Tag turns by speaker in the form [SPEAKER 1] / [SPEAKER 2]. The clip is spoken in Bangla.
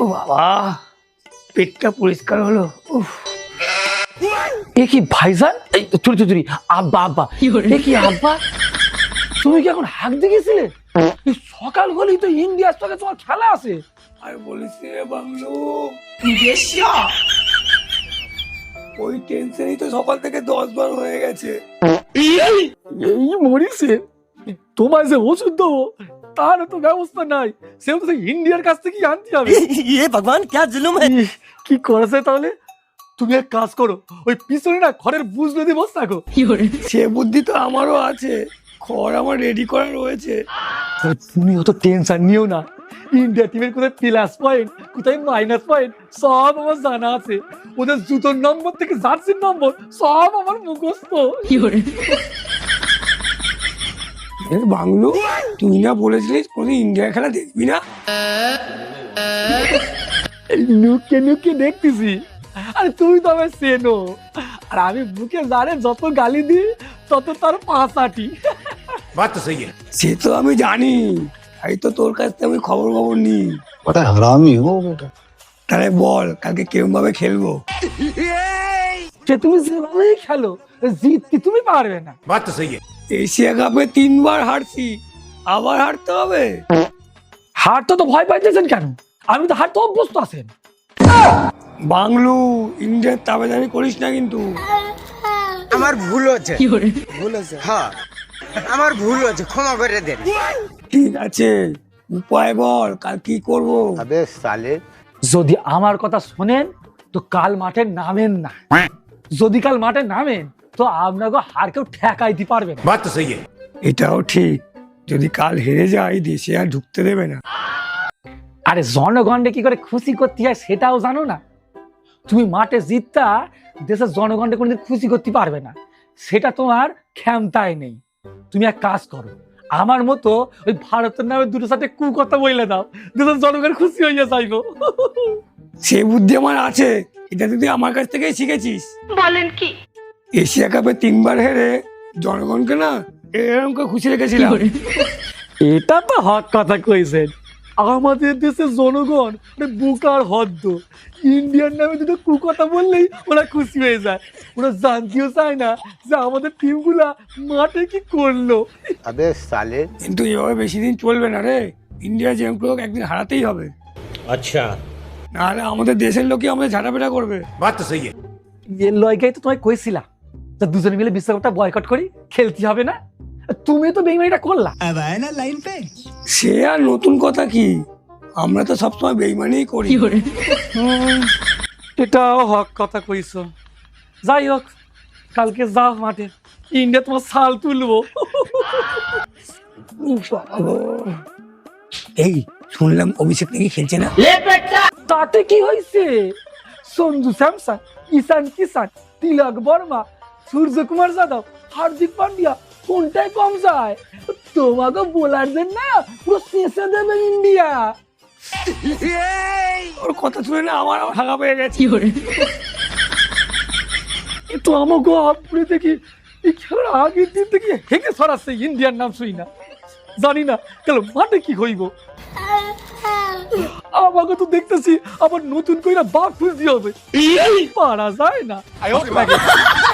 [SPEAKER 1] ও বাবা, পেটটা পরিষ্কার হলো। এ কি ভাইজান? এই চুরি চুরি, আব্বা আব্বা, এ কি আব্বা? তুমি কি এখন হাঁক দিয়ে গেছিলে? সকাল হলেই তো ইন্ডিয়ার সঙ্গে তোমার খেলা আছে। আর বলিস রে বাংলো, ওই টেনশনই তো সকাল থেকে 10 বার হয়ে গেছে। এই মরিছে, তোমার যে ওষুধ দেবো তার তো ব্যবস্থা নাই, সেও তো ইন্ডিয়ার কাছ থেকে আনতে হবে।
[SPEAKER 2] ये भगवान क्या जुलुम है।
[SPEAKER 1] কি করেছে তাহলে? তুমি এক কাজ করো, ওই পিছনে না খড়ের বুঝ দিয়ে বসে থাকো। সে বুদ্ধি তো আমারও আছে, খড় আমার রেডি করা রয়েছে। তুমি অত টেনশন নিও না, ইন্ডিয়া টিমের কোথায় প্লাস পয়েন্ট কোথায় মাইনাস পয়েন্ট সব আমার জানা আছে। ওদের জুতোর নম্বর থেকে জার্সির নম্বর সব আমার মুখস্থ। বাংলো, তুই না বলেছিলিস কোনো ইন্ডিয়া খেলা দেখবি না? নুকে নুকে দেখতেছি। আরে তুই তো আমার সেনো, আর আমি বুকে জানে যত গালি দিই তত তার পাঁচাটি। সে তো আমি জানি, তাই তো তোর কাছ থেকে আমি খবর নি।
[SPEAKER 3] बड़ा हरामी हो बेटा।
[SPEAKER 1] তাহলে বল কালকে কেমন ভাবে খেলবো? সে তুমি যেভাবে খেলো, জিততে তুমি পারবে না। এশিয়া কাপে 3 বার হারছি, আবার হারতে হবে? হারতে তো ভয় পাইতেছেন কেন? আমি তো হারতে অভ্যস্ত আছেন। বাংলু, ইন্ডিয়ার তাবেদারি করিস না কিন্তু।
[SPEAKER 2] আমার ভুল হচ্ছে, ভুল হচ্ছে, হ্যাঁ আমার ভুল হচ্ছে, ক্ষমা করে দেন।
[SPEAKER 1] ঠিক আছে, উপায় বল, কাল কি করব?
[SPEAKER 3] अबे साले।
[SPEAKER 1] যদি আমার কথা শোনেন তো কাল মাঠে নামেন না। যদি কাল মাঠে নামেন তো আপনাকে হার কেউ ঠেকাইতে পারবে না। এটাও ঠিক, যদি কাল হেরে যাই দেশে আর ঢুকতে দেবে না। আরে জনগণকে কি করে খুশি করতে হয় সেটাও জানো না? তুমি মাঠে জিততা দেশের জনগণকে কোনোদিন খুশি করতে পারবে না, সেটা তোমার ক্ষমতায় নেই। তুমি এক কাজ করো, আমার মতো ওই ভারতের নামে দুটো সাথে কথা বলে দাও, দেশের জনগণ খুশি হইয়া যাইব। সে বুদ্ধি আমার আছে, এটা তুই আমার কাছ থেকেই শিখেছিস।
[SPEAKER 4] বলেন কি?
[SPEAKER 1] এশিয়া কাপে 3 বার হেরে জনগণকে না এরকম খুশি রেখেছিলাম। এটা তো হক কথা কইছেন। আমাদের দেশের জনগণ বুকার হদ্দ, ইন্ডিয়ার নামে দুটো কুকথা বললেই ওরা খুশি হয়ে যায়। ওরা জানতেও চায় না যে আমাদের টিমগুলা মাঠে কি করলো।
[SPEAKER 3] अबे साले।
[SPEAKER 1] কিন্তু এভাবে বেশি দিন চলবে না রে, ইন্ডিয়া যেমন একদিন হারাতেই হবে।
[SPEAKER 2] আচ্ছা,
[SPEAKER 1] নাহলে আমাদের দেশের লোকই আমাদের ঝাঁটাপেটা করবে। এর লয়গাই তো তোমায় কইছিলাম যে দুজনে মিলে বিশ্বকাপটা বয়কট করি, খেলতে হবে না। তুমি তো বেইমানিটা করলা।
[SPEAKER 2] अब आए ना लाइन पे।
[SPEAKER 1] সে আর নতুন কথা কি, আমরা তো সবসময় বেইমানিই করি। এটাও হক কথা কইছো। যাই হোক, কালকে যাও মাঠে, ইন্ডিয়া তোমার ছাল তুলবো। এই শুনলাম অভিষেক নাকি খেলছে না। তাতে কি হয়েছে? সঞ্জু স্যামসন, ঈশান কিষান, তিলক বর্মা, সূর্যকুমার যাদব, হার্দিক পান্ডিয়া কোনটাই কম যায়? তোমাকে বোলারদের না পুরো শেষে দেবে ইন্ডিয়া। ওর কথা শুনে না আমার হাগা পেয়ে গেছে। কিন্তু আমাকে আপনি দেখি এই খেলার আগের দিন থেকে হেগে সরাচ্ছে ইন্ডিয়ার নাম শুই না, জানি না কেন মাঠে কি হইব। আমাকে তো দেখতেছি আবার নতুন করে বাঘ খুঁজতে হবে, পারা যায় না।